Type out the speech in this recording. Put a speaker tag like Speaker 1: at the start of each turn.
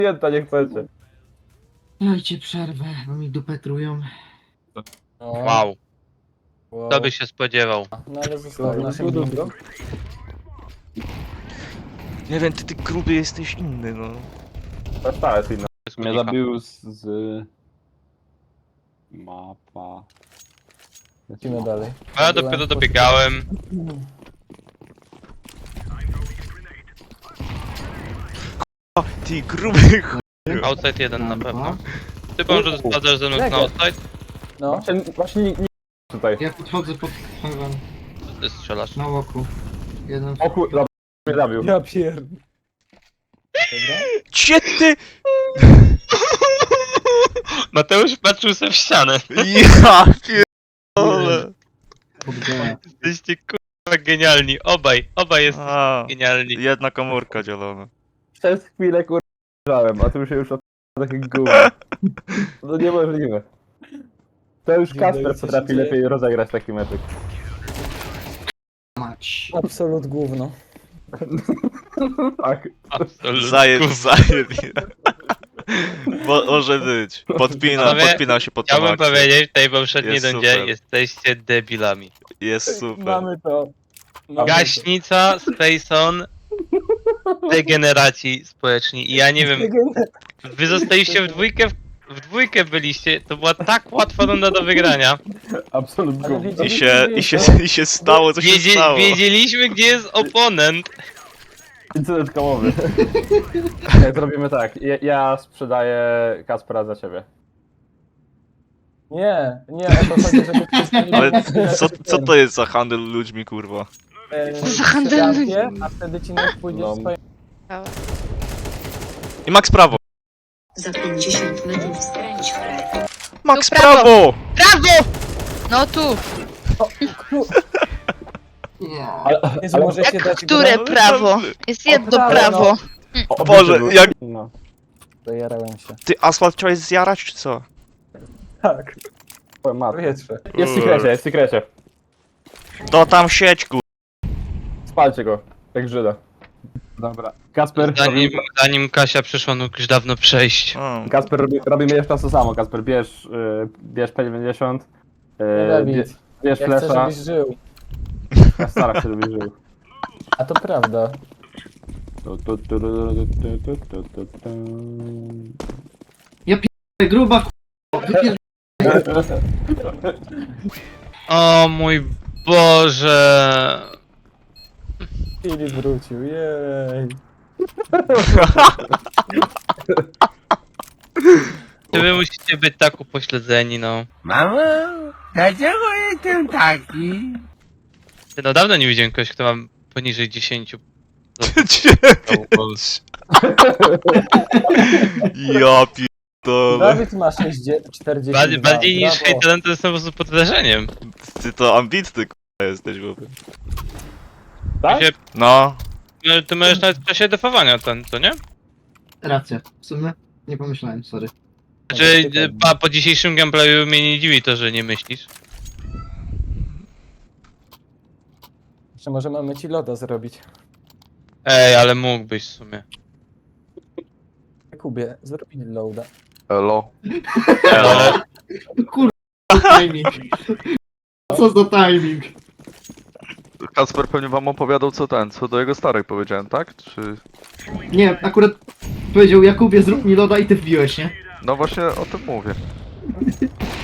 Speaker 1: Jenta, nie chcecie.
Speaker 2: Dajcie przerwę, bo mi dupę trują.
Speaker 3: No,
Speaker 4: Wow,
Speaker 3: wow.
Speaker 4: kto by się spodziewał?
Speaker 3: No ale został w naszym bingo.
Speaker 5: Nie wiem, ty gruby jesteś inny, no.
Speaker 1: Ta jest inna.
Speaker 4: Bez
Speaker 1: Mnie
Speaker 4: kunika.
Speaker 1: zabił z... Mapa...
Speaker 3: Lecimy dalej.
Speaker 4: A ja dopiero dobiegałem.
Speaker 5: O, ty gruby ch...
Speaker 4: Outside jeden na pewno. Ty może sprawdzasz ze mną na outside?
Speaker 3: No,
Speaker 1: Właśnie nie tutaj.
Speaker 2: Ja podchodzę pod heaven,
Speaker 4: Ty strzelasz.
Speaker 2: na łoku. Jeden.
Speaker 1: O kur... Dobra, mnie zabił.
Speaker 3: ja pierd... Dobra?
Speaker 5: Cie ty!
Speaker 4: Mateusz patrzył sobie w ścianę.
Speaker 5: Ja pierdolę.
Speaker 4: Jesteście kurwa genialni. Obaj jesteście
Speaker 5: A,
Speaker 4: genialni.
Speaker 5: jedna komórka dzielona.
Speaker 1: Przez chwilę kur... a tu się już od... takie gówno. No niemożliwe. To już Kasper
Speaker 3: co się
Speaker 1: potrafi
Speaker 3: dzieje?
Speaker 1: lepiej rozegrać taki meczek.
Speaker 2: Mać.
Speaker 3: Absolut gówno.
Speaker 1: Tak.
Speaker 4: Absolutnie.
Speaker 5: Zajebie. Może być.
Speaker 4: Panowie,
Speaker 5: Podpina się pod tą
Speaker 4: Chciałbym
Speaker 5: akcję.
Speaker 4: powiedzieć w tej poprzedniej
Speaker 5: Jest
Speaker 4: rundzie,
Speaker 5: super.
Speaker 4: jesteście debilami.
Speaker 5: Jest super.
Speaker 3: Mamy to. Mamy
Speaker 4: Gaśnica, Spacon, degeneraci społeczni. I ja nie wiem, wy zostaliście w dwójkę byliście, to była tak łatwa runda do wygrania.
Speaker 1: Absolut
Speaker 3: Ale
Speaker 1: gówno.
Speaker 5: I się stało, co się stało.
Speaker 4: Wiedzieliśmy, gdzie jest oponent.
Speaker 1: Incydent kołowy. Nie, zrobimy tak. Ja sprzedaję Kaspera za ciebie.
Speaker 3: Nie, nie, o to chodzi, żeby...
Speaker 5: Ale co to jest za handel ludźmi, kurwa?
Speaker 6: Za handel ludźmi.
Speaker 3: A wtedy ci nie pójdzie
Speaker 1: No.
Speaker 3: swoje...
Speaker 5: I Max prawo.
Speaker 7: Za 50 metrów skręć w prawo.
Speaker 5: Max
Speaker 6: Tu prawo.
Speaker 5: prawo!
Speaker 6: Brawo! No tu!
Speaker 3: Jezu, możecie
Speaker 6: Jak
Speaker 3: dać...
Speaker 6: które
Speaker 5: No,
Speaker 6: prawo? Jest jedno
Speaker 3: prawo,
Speaker 6: prawo.
Speaker 1: O
Speaker 5: Boże, jak...
Speaker 1: No.
Speaker 3: Zajarałem się.
Speaker 5: Ty asfalt chciałeś zjarać, czy co?
Speaker 3: Tak,
Speaker 1: Twoja matka.
Speaker 3: powietrze.
Speaker 1: Jest w sekrecie, jest w sekrecie.
Speaker 5: To tam sieć, kur...
Speaker 1: Spalcie go, jak Żyda. Dobra. Kasper,
Speaker 4: Zanim Kasia przyszła, no już dawno przejść.
Speaker 5: O.
Speaker 1: Kasper robimy jeszcze raz to samo. Kasper, bierz P90.
Speaker 3: Nie, Dawid,
Speaker 1: Bierz
Speaker 3: ja chcę,
Speaker 1: flesza.
Speaker 3: żebyś żył.
Speaker 1: Ja staram się, żebyś żył.
Speaker 3: A to prawda.
Speaker 2: Gruba
Speaker 4: O mój Boże.
Speaker 3: Filip wrócił, jej.
Speaker 4: Czy wy musicie być tak upośledzeni, no.
Speaker 8: Mamo, dlaczego jestem taki?
Speaker 4: Ty, no dawno nie widziałem kogoś, kto ma poniżej 10.
Speaker 5: Ja pierdolę.
Speaker 3: Dawid ma 42.
Speaker 4: Bardziej niż
Speaker 3: brawo.
Speaker 4: hejterem to jest po prostu pod wrażeniem.
Speaker 5: Ty to ambitny, k***a, jesteś, chłopie.
Speaker 1: Tak?
Speaker 5: No.
Speaker 4: Ty możesz nawet w czasie defowania ten, to nie?
Speaker 2: Racja. W sumie nie pomyślałem, sorry.
Speaker 4: Znaczy, po dzisiejszym gameplayu mnie nie dziwi to, że nie myślisz.
Speaker 3: Jeszcze może mamy ci loda zrobić.
Speaker 4: Ej, ale mógłbyś w sumie.
Speaker 3: Kubie, zrobili loada.
Speaker 1: Elo.
Speaker 4: Ale
Speaker 2: Timing. Co za timing?
Speaker 9: Kasper pewnie wam opowiadał co do jego starych powiedziałem, tak? Czy...
Speaker 2: Nie, akurat powiedział Jakubie zrób mi loda i ty wbiłeś, nie?
Speaker 9: No właśnie o tym mówię.